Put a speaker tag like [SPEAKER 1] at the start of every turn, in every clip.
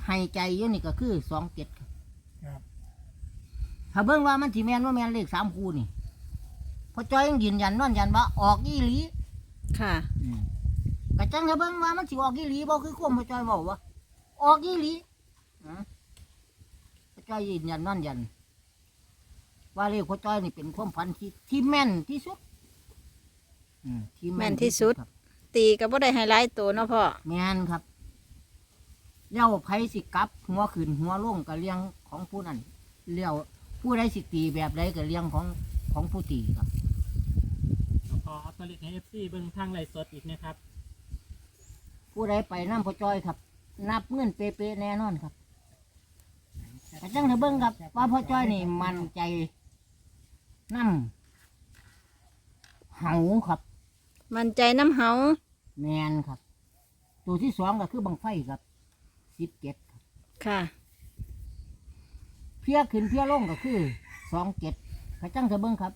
[SPEAKER 1] ให้ใจอยู่นี่ก็คือ27
[SPEAKER 2] ครับ
[SPEAKER 1] ถ้าเบิ่งว่ามันสิแม่นว่าแม่นเลข3คู่นี่พอจ้อยยังยืนยันนอนยันว่าออกอีหลี
[SPEAKER 3] ค่ะ
[SPEAKER 1] ก็จังถ้าเบิ่งว่ามันสิออกอีหลีบ่คือความพอจ้อยเว้าว่าออกอีหลีพอจ้อยยืนยันนอนยันว่าเลขพอจ้อยนี่เป็นความฝันที่แม่นที่สุดที่
[SPEAKER 3] แม่นที่สุด
[SPEAKER 1] ครับ
[SPEAKER 3] ตีก็บ่ได้ไฮไลท์ตัวเนาะพ่อ
[SPEAKER 1] แม่นครับเลี้ยวไผสิกลับหัวขึ้นหัวลงก็เลี้ยงของผู้นั้นเลี้ยวผู้ใดสิตีแบบใดก็เลี้ยงของผู้ตีครับ
[SPEAKER 4] พอเอาตัวเลขให้ FC เบิ่งทางไลฟ์สดอีกนะครับ
[SPEAKER 1] ผู้ใดไปน้ำพอจอยครับ นับเงินเป๊ะๆแน่นอนครับแต่จังเถอะเบิ้งครับว่าพอจอยนี่มันใจน้ำเหาครับ
[SPEAKER 3] มันใจน้ำเฮา
[SPEAKER 1] แมนครับ ตัวที่2ก็คือบังไฟครับ17ครับ
[SPEAKER 3] ค่ะ
[SPEAKER 1] เพี้ยขึ้นเพี้ยลงก็คือ27กระจังเถอะเบิ้งครับ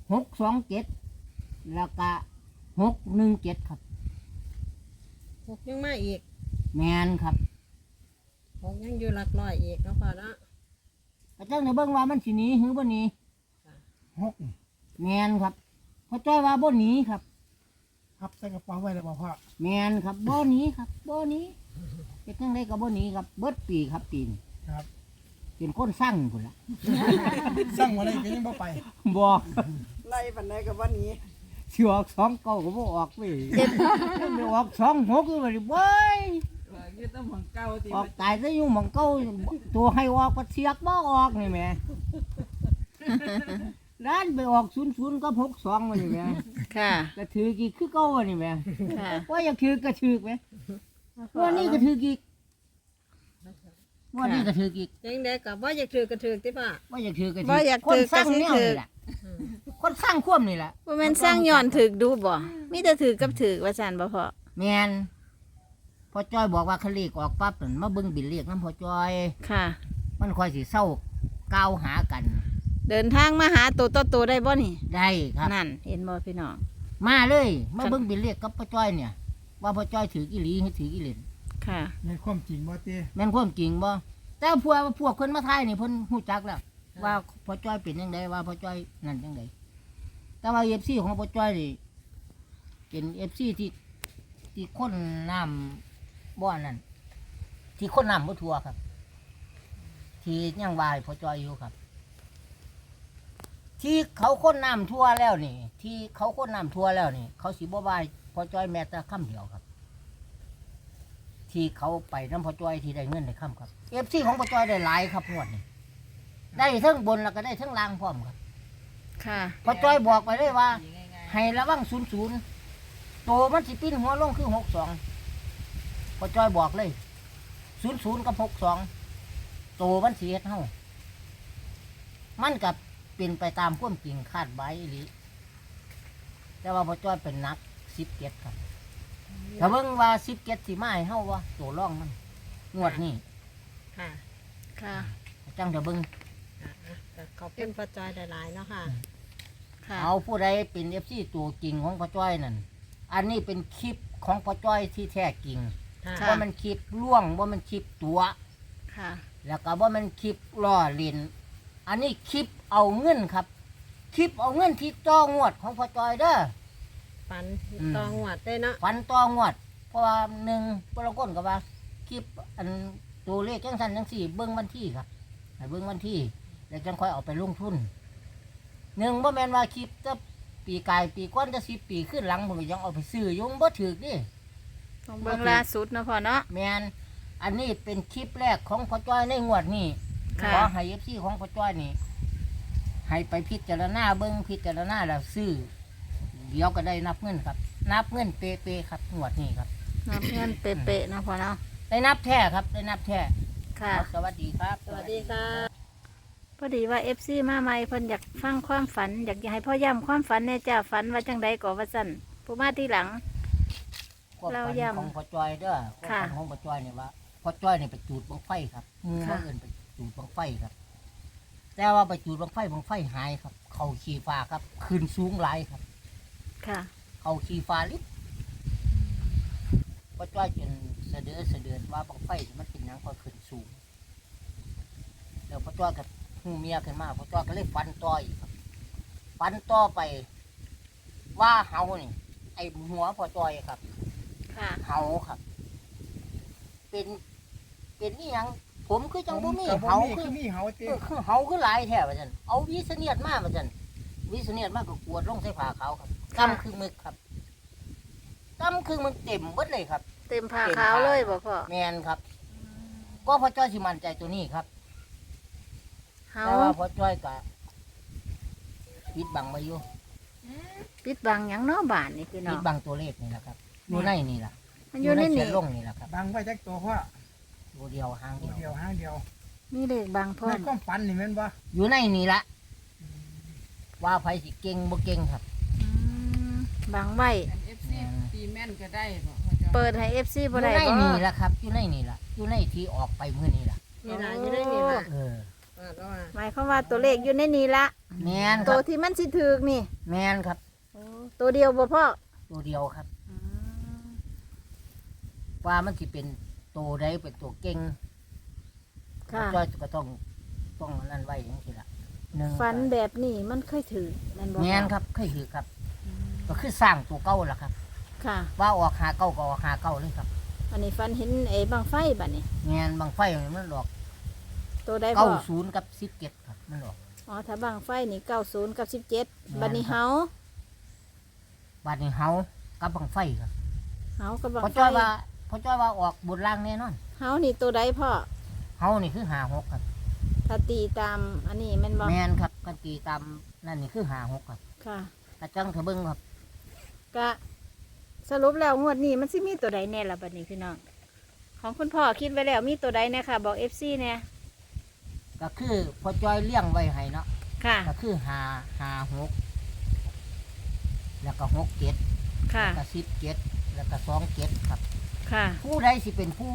[SPEAKER 1] 627แล้วก็617ครับ
[SPEAKER 5] หกยังมาอีก
[SPEAKER 1] แมนครับ
[SPEAKER 5] หกยังอยู่หลักร้อยอีกเนาะพ่อเนาะ
[SPEAKER 1] กระจังเถอะเบิ้งว่ามันสิหนีหรือบ่หนี
[SPEAKER 2] 6
[SPEAKER 1] แมนครับพอจ้อยว่าบ่หนีครับ
[SPEAKER 2] พับใส่กระเป๋าไว้เลยบ่พ่อ
[SPEAKER 1] แมนครับบ่หนีครับบ่หนีเป็นจังไดก็บ่หนีครับเบิดปีครับปีน
[SPEAKER 2] ครับ
[SPEAKER 1] เป็นคนสร้างพุ่นละ
[SPEAKER 2] สั่งมาเลยก็ยังบ่ไป
[SPEAKER 1] บ่
[SPEAKER 5] ไล่ปันใดกับวันนี้
[SPEAKER 1] สิออก2 เก้าก็บ่ออกเว้ยไม่ออก2 6คือว่าดิเว้ย
[SPEAKER 5] คือต้องของเก่าติ
[SPEAKER 1] ออกตายซะอยู่หม่องเก่าตัวให้ออกก็เสียกบ่ออกนี่แหมด้านไปออก00กับ62ว่านี่แหม
[SPEAKER 3] ค่ะ
[SPEAKER 1] ก็ถือกี่คือเก่าว่านี่แหม
[SPEAKER 3] ค่ะ
[SPEAKER 1] ว่าอยากถือก็ถือแหมวันนี้ก็ถือกี่วันนี้ก็ถือกี่
[SPEAKER 5] ยังได้กับว่าอยากถือกระถือติป่ะ
[SPEAKER 1] ว่าอยากถือก็ถื
[SPEAKER 3] บ่อยาก
[SPEAKER 1] คน
[SPEAKER 3] ถือ
[SPEAKER 1] สร้าง
[SPEAKER 3] ก็สิ
[SPEAKER 1] แนว
[SPEAKER 3] ถือ
[SPEAKER 1] นี่แหละคนสร้างควมนี่แหละ
[SPEAKER 3] บ่แม่นสร้างย้อนถึกดูบ่มีแต่ถือกับถือว่าซั่นบ่พ่อ
[SPEAKER 1] แมนพอจ้อยบอกว่าคันเลขออกปั๊บนั่นมาเบิ่งบิลเลขน้ำพอจ้อย
[SPEAKER 3] ค่ะ
[SPEAKER 1] มันค่อยสิเศร้าก้าวหากัน
[SPEAKER 3] เดินทางมาหาตัวต่อตัวได้บ่นี่
[SPEAKER 1] ได้ครับ
[SPEAKER 3] นั่นเห็นบ่พี่น้อง
[SPEAKER 1] มาเลยมาเบิ่งบิลเลขกับพอจ้อยเนี่ย ว่าพอจ้อยถืออีหลีหรือถืออีเหลน
[SPEAKER 3] ค่ะ
[SPEAKER 2] ในความจริงบ่เต้
[SPEAKER 1] แม่นความจริงบ่แต่พวกคนมาทายนี่เพิ่นฮู้จักแล้ว ว่าพอจ้อยเป็นจังไดว่าพอจ้อยนั่นจังไดแต่ว่า FC ของพอจ้อยนี่เป็น FC ที่คนน้ำบ่อนั่นที่คนน้ำบ่ทั่วครับ ที่ยังวายพอจอยอยู่ครับ ที่เขาคนน้ำทั่วแล้วนี่ ที่เขาคนน้ำทั่วแล้วนี่ เขาสิบ่วายพอจอยแม้แต่คำเดียวครับ ที่เขาไปน้ำพอจอยที่ได้เงินได้คำครับFCของพอจอยได้หลายครับงวดนี้ได้ทั้งบนแล้วก็ได้ทั้งล่างพร้อมครับ
[SPEAKER 3] ค่ะ
[SPEAKER 1] พอจอยบอกไปเลยว่า ให้ระวัง00โตมันสิปิ้นหัวลงคือ62พอจอยบอกเลย00กับ62โตมันสิเฮ็ดเฮามันกับเป็นไปตามความจริงคาดไว้อีหลีแต่ว่าพอจอยเป็นนัก17ครับถ้าเบิ่งว่า17สิมาให้เฮาว่าตัวร่องมันงวดนี้
[SPEAKER 5] ค่ะ
[SPEAKER 3] ค่ะ
[SPEAKER 1] จังจะเบิ่ง
[SPEAKER 5] ก็ขอบคุณพ่อจอยหลายๆเนาะค่ะ
[SPEAKER 3] ค่ะ
[SPEAKER 1] เอาผู้ใดเป็น FC ตัวจริงของพอจอยนั่นอันนี้เป็นคลิปของพอจอยที่แท้จริง
[SPEAKER 5] ค่ะ
[SPEAKER 1] ว่ามันคลิปล่วงว่ามันคลิปตัว
[SPEAKER 3] ค่ะ
[SPEAKER 1] แล้วก็ว่ามันคลิปล่อเลีนอันนี้คลิปเอาเงินครับ คลิปเอาเงินที่ต่องวดของพอจอยเด้อ
[SPEAKER 5] ปันตองหวัดได้เนาะ
[SPEAKER 1] ฝันต่องวด เพราะว่าหนึ่งปรากฏกับว่าคลิปอันตัวเลขจังสันจังสี่เบิ้งวันที่ครับให้เบิ้งวันที่แล้วจังค่อยเอาไปลงทุนหนึ่งว่าแมนว่าคลิปจะปีกายปีก้อนจะ10 ปีขึ้นหลังผมก็ยังเอาไปซื้ออยุ่งบ่ถือดิ
[SPEAKER 3] ต้องเบิ่งล่าสุดเนาะพ่อเนาะ
[SPEAKER 1] แมนอันนี้เป็นคลิปแรกของพ่อจ้อยในงวดนี้
[SPEAKER 3] ค่ะ
[SPEAKER 1] ขอให้เอฟซีของพ่อจ้อยนี่ให้ไปพิจารณาเบิ้งพิจารณาแล้วซื้อเดี๋ยวก็ได้นับเงินครับ นับเงินเป๊ะๆครับงวดนี้ครับ
[SPEAKER 3] นับเงินเป๊ะๆเนาะพ่อเนาะ
[SPEAKER 1] ได้นับแท้ครับได้นับแท้
[SPEAKER 3] ค่ะ
[SPEAKER 1] ครับสวัสดีครับ
[SPEAKER 5] สวัสดีค่ะ
[SPEAKER 3] พอดีว่า FC มาใหม่เพิ่นอยากฟังความฝัน อยากให้พ่อย้ำความฝันแน่จ้าฝันว่าจังใดก็ว่าซั่นผู้มาที่หลัง
[SPEAKER 1] ความ
[SPEAKER 3] เรา
[SPEAKER 1] ฝัน
[SPEAKER 3] ย้ำ
[SPEAKER 1] ของพ่อจ้อยเด้อความ
[SPEAKER 3] ค่ะ
[SPEAKER 1] ฝันของพ่อจ้อยเนี่ยว่าพ่อจ้อยเนี่ยไปจูดบังไฟครับหมู
[SPEAKER 3] ค่ะ
[SPEAKER 1] มาเอินไปจูดบังไฟครับ แต่ว่าไปจูดบังไฟหายครับ เขาขี่ฟ้าครับขึ้นสูงหลายครับ
[SPEAKER 3] ค่ะ
[SPEAKER 1] เขาขี่ฟ้าลิบพ่อจ้อยจนเสะเดือดว่าบังไฟมันเป็นหยังก็ขึ้นสูงจ้อยกับหูเมียขึ้นมาพอจ้อยก็เลยฟันต่ออีกครับฟันต่อไป ว่าเฮานี่ไอ้หัวพอจ้อยครับ
[SPEAKER 3] ค่ะ
[SPEAKER 1] เฮาครับ เป็นนี่ยังผมคือจังบ่มี
[SPEAKER 2] กับบ่
[SPEAKER 1] เฮา
[SPEAKER 2] มี
[SPEAKER 1] คือ
[SPEAKER 2] คือมีเฮาติ
[SPEAKER 1] คือเฮาคือหลายแท้ว่าซั่นเอาวิเสเนียดมาว่าซั่นวิเสเนียดมาก็กวดลงใส่ผ้าขาวครับกำคือมึกครับกำคือมึกเต็มเบิดเลยครับ
[SPEAKER 3] เต็มผ้าขาวเลยบ่พ่อ
[SPEAKER 1] แมนครับ ก็พอจ้อยสิมั่นใจตัวนี้ครับ
[SPEAKER 3] เฮา
[SPEAKER 1] แต่ว่าพอจ้อยก็ปิดบังมาอยู่
[SPEAKER 3] ปิดบังหยังเนาะบ้านนี่พี่น้
[SPEAKER 1] ปิ
[SPEAKER 3] อ
[SPEAKER 1] ด
[SPEAKER 3] ง
[SPEAKER 1] บังตัวเลขนี่แหละครับอยู่ในนี่แหละ
[SPEAKER 3] มันอยู่ใน
[SPEAKER 1] เขี
[SPEAKER 3] นี่
[SPEAKER 1] ยนลงนี่แหละครับ
[SPEAKER 2] บังไว้จักตัวพ่อ
[SPEAKER 1] ตัวเดียวหาง
[SPEAKER 2] ตัว
[SPEAKER 1] เดียว
[SPEAKER 2] เดียวหางเดียว
[SPEAKER 3] มีเลขบังพร้อ
[SPEAKER 2] ใน
[SPEAKER 3] ม
[SPEAKER 2] ความฝันนี่แม่นบ่
[SPEAKER 1] อยู่ในนี่ละว่าไผสิเก่งบ่เก่งครับ
[SPEAKER 3] อืมบังไว้
[SPEAKER 5] เอฟซีตีแม่นก็ได้บ่พ่อจอย
[SPEAKER 3] เปิดให้ FC
[SPEAKER 1] อ
[SPEAKER 3] บ่
[SPEAKER 1] ยู่
[SPEAKER 3] ได้
[SPEAKER 1] ใน
[SPEAKER 3] บ่
[SPEAKER 1] นี่ละครับ อยู่ในนี่ละอยู่ในที่ออกไปมื้อนี้ละ
[SPEAKER 5] นี่ล่ะอยู่ได้นี่ล่ะ
[SPEAKER 1] เออ
[SPEAKER 5] ว่าแล้วว่า
[SPEAKER 3] หมายความว่าตัวเลขอยู่ในนี้ละ
[SPEAKER 1] แมนค
[SPEAKER 3] ตั
[SPEAKER 1] รั
[SPEAKER 3] ว
[SPEAKER 1] บ
[SPEAKER 3] ที่มันสิถูกนี่
[SPEAKER 1] แมนครับ
[SPEAKER 3] ตัวเดียวบ่พ่อ
[SPEAKER 1] ตัวเดียวครับ
[SPEAKER 3] อืม
[SPEAKER 1] ว่ามันสิเป็นตัวใดเป็นตัวเก่ง
[SPEAKER 3] ค่ะ
[SPEAKER 1] จ้อยก็ต้องนั่นไว้อย่างนี้ละหนึ่ง
[SPEAKER 3] ฝันแบบนี้มันเคยถือแม่นบ่
[SPEAKER 1] แมนครับเคยถือครับ ก็คือสร้างตัวเก่าล่ะครับ
[SPEAKER 3] ค่ะ
[SPEAKER 1] ว่าออกหาเก่าก็ออกหาเก่าเลยครับ
[SPEAKER 3] อันนี้ฝันเห็นไอ้บังไฟบัดนี้
[SPEAKER 1] แมนบางไฟมันหลอก
[SPEAKER 3] ตัวใด
[SPEAKER 1] เก้า
[SPEAKER 3] พ่อ
[SPEAKER 1] ศูนย์กับ17ครับมันหลอก
[SPEAKER 3] อ๋อถ้าบังไฟนี่90กับ17บัดนี้เฮา
[SPEAKER 1] บาดนี้เฮากับบางไฟครับ
[SPEAKER 3] เฮากับบัง
[SPEAKER 1] พอ
[SPEAKER 3] ไฟ
[SPEAKER 1] จ้อยว่าออกบนล่างแน่นอน
[SPEAKER 3] เฮานี่ตัวใดพ่อ
[SPEAKER 1] เฮานี่คือหาหกครับ
[SPEAKER 3] ถ้าตีตามอันนี้แม่นบ่
[SPEAKER 1] แมนครับกันตีตามนั่นนี่คือหาหกครับ
[SPEAKER 3] ค่ะ
[SPEAKER 1] กระจังเถอะเบิ้งครับ
[SPEAKER 3] ก็สรุปแล้วงวดนี้มันสิมีตัวใดแน่ล่ะบัดนี้พี่น้องของคุณพ่อคิดไว้แล้วมีตัวใดแน่ค่ะ บอก FC แน่
[SPEAKER 1] ก็คือพอจ้อยเลี้ยงไว้ให้เนาะ
[SPEAKER 3] ค่ะ
[SPEAKER 1] ก็คือหาหกแล้วก็67
[SPEAKER 3] ค่ะ
[SPEAKER 1] แล้วก็17แล้วก็27ครับ
[SPEAKER 3] ค่ะ
[SPEAKER 1] ผู้ใดสิเป็นผู้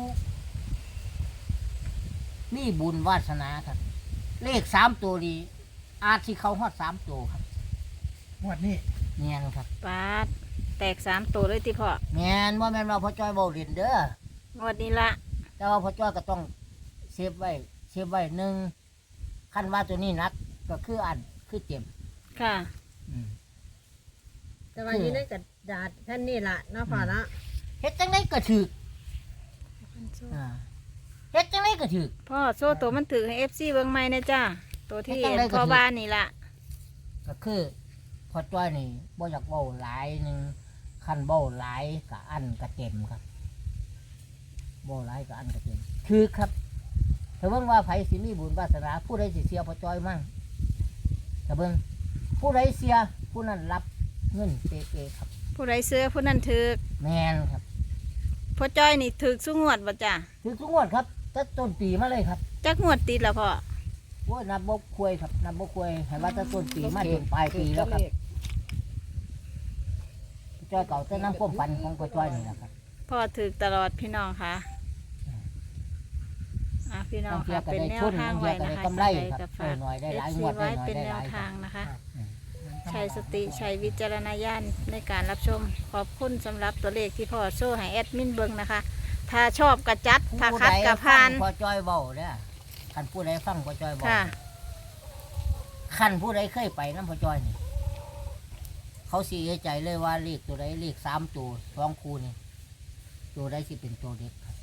[SPEAKER 1] มีบุญวาสนาครับ เลข3ตัวนี้อาจสิเข้าฮอด3ตัวครับ
[SPEAKER 2] งวดนี้
[SPEAKER 1] แม่นครับ
[SPEAKER 3] ปาดแตก3ตัวเลยติพ่อ
[SPEAKER 1] แม่นว่าแม่นว่าพ่อจ้อยเบาเรียนเด้อง
[SPEAKER 3] วดนี้ละ
[SPEAKER 1] แต่ว่าพ่อจ้อยก็ต้องเซฟไว้หนึ่งขั้นว่าตัวนี้นักก็คืออันคือเจ็บ
[SPEAKER 3] ค่ะ
[SPEAKER 1] อืม
[SPEAKER 5] แต่ว่าอยู่ในกระดาษแผ่นนี่ล่ะเนาะพ่อเนาะ
[SPEAKER 1] เฮ็ดจังไดก็ถึกอ่าเฮ็ดจังไดก็ถึก
[SPEAKER 3] พ่อโซ่ตัวมันถือให้ FC เบิ่งใหม่นะจ้าตัวที่
[SPEAKER 1] ให้จังได๋ก็ถือ
[SPEAKER 3] พ่อบ้านนี่ละ
[SPEAKER 1] ก็คือพ่อจ้อยนี่บ่อยากเว้าหลายหนึงคันเว้าหลายก็อันก็เต็มครับเว้าหลายก็อันก็เต็มคือครับถ้าเบิ่งว่าไผสิมีบุญวาสนาผู้ใดสิเสียพ่อจ้อยมั่งถ้าเบิ่งผู้ใดเสียผู้นั้นรับเงินเป๊ะๆครับ
[SPEAKER 3] ผู้ใดเสื้อผู้นั้นถือ
[SPEAKER 1] แม่นครับ
[SPEAKER 3] พ่อจ้อยนี่ถือสุงวดบ่จ้า
[SPEAKER 1] ถือทุกงวดครับตั้งต้นปีมาเลยครับ
[SPEAKER 3] จักงวดติดแล้วพ่อ
[SPEAKER 1] โอ้ยนับบกควยครับนับบกควยเห็นว่าตั้งต้นปีมาจนปลายปีแล้วครับจ้อยเก่าแต่น้ำพ่มฟันของพ่อจ้อยนี่แหละครับ
[SPEAKER 3] พ่อถือตลอดพี่น้องค่ะพี่น้องค่ะเป็นแนวทางไว้นะคะ
[SPEAKER 1] กำไร
[SPEAKER 3] ใคร
[SPEAKER 1] ครับ
[SPEAKER 3] กับฝาก
[SPEAKER 1] หน่อยได้หลาย
[SPEAKER 3] FC
[SPEAKER 1] งวดได้
[SPEAKER 3] ไว้
[SPEAKER 1] หน่อย
[SPEAKER 3] เป็น
[SPEAKER 1] ได้
[SPEAKER 3] แน
[SPEAKER 1] ห
[SPEAKER 3] ว
[SPEAKER 1] ลาย
[SPEAKER 3] ทางนะคะ
[SPEAKER 1] ครับ
[SPEAKER 3] ใช้สติใช้วิจารณญาณในการรับชม ขอบคุณสำหรับตัวเลขที่พ่อโซ่ให้แอดมินเบิงนะคะ ถ้าชอบกระจัด ถ้าคัดกระพาน
[SPEAKER 1] พ่อจ้อยเบาเนี่ยขันผู้ใดฟังพ่อจ้อยเบา
[SPEAKER 3] ค่ะ
[SPEAKER 1] ขันผู้ใดเคยไปน้ำพ่อจ้อยนี่เขาเสียใจเลยว่าเลขตัวใดเลข3ตัว2คู่นี่ตัวใดสิเป็นตัวเด็กครับ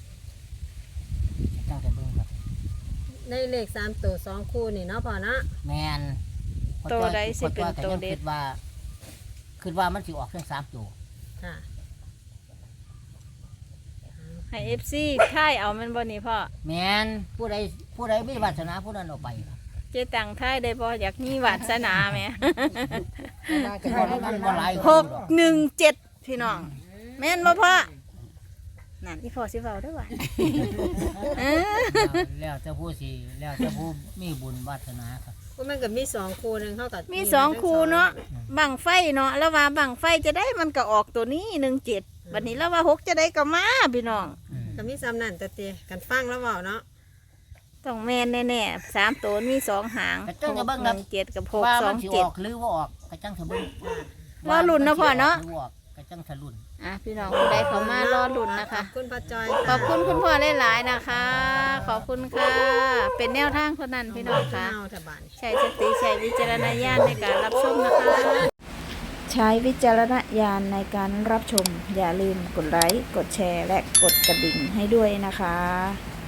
[SPEAKER 1] ตั้งแต่เบิ่งครับ
[SPEAKER 5] ในเลข3ตัว2คู่นี่เนาะพ่อเนาะ
[SPEAKER 1] แมน
[SPEAKER 3] ตัวใดสิเป็นตัวเด็ด
[SPEAKER 1] คิดว่ามันสิออกทั้ง3ตัว
[SPEAKER 5] ค่ะ
[SPEAKER 3] ให้เอฟซีค่ายเอามันบ่นี่พ่อ
[SPEAKER 1] แมนผู้ใดมีวาสนาผู้นั้นเอาไปครับ
[SPEAKER 3] เจตังค่ายได้บ่อยากมีวาสนาไหม
[SPEAKER 1] แต่ว่ามันบ่หลาย
[SPEAKER 3] 617 พี่น้อง แม่นบ่พ่อนั่นที่พ่อสิเว้าได้อว่า
[SPEAKER 1] แล้วจะผู้สิแล้วจะผู้มีบุญวาสนาครับ
[SPEAKER 5] ก็มันก็มี2คู่หนึงเท่ากับ
[SPEAKER 3] มี2คู่เนาะบังไฟเนาะแล้วว่าบังไฟจะได้มันก็ออกตัวนี้17บัดนี้แล้วว่า6จะได้ก็มาพี่น้อง
[SPEAKER 5] ก็มีซ้ำนั่นแต่เตกันฟังแล้วเว้าเนาะ
[SPEAKER 3] ต้องแม่นแน่ๆ3ตัวมี2หาง
[SPEAKER 1] กระจังจะเบิ่งครับ
[SPEAKER 3] 7กับ
[SPEAKER 1] ว่ามันสิออก
[SPEAKER 3] 627
[SPEAKER 1] หรือว่าออกกระจังจะเบิ่ง
[SPEAKER 3] รอลุ้นเนาะพ่อเนาะ
[SPEAKER 1] หรือว่ออกกระจังจะลุ้น
[SPEAKER 3] พี่น้องผู้ใดเขามารอลุ้นนะคะ
[SPEAKER 5] ขอบคุณป้าจอย
[SPEAKER 3] ขอบคุณคุณพ่อหลายๆนะคะ ขอบอบคุณค่ะ เป็นแนวทางคนนั้นพี่น้องค่ะ
[SPEAKER 5] เอาแต่บาน
[SPEAKER 3] ใช้สติใช้วิจารณญาณในการรับชมนะคะ ใช้วิจารณญาณในการรับชม อย่าลืมกดไลค์ กดแชร์ และกดกระดิ่งให้ด้วยนะคะ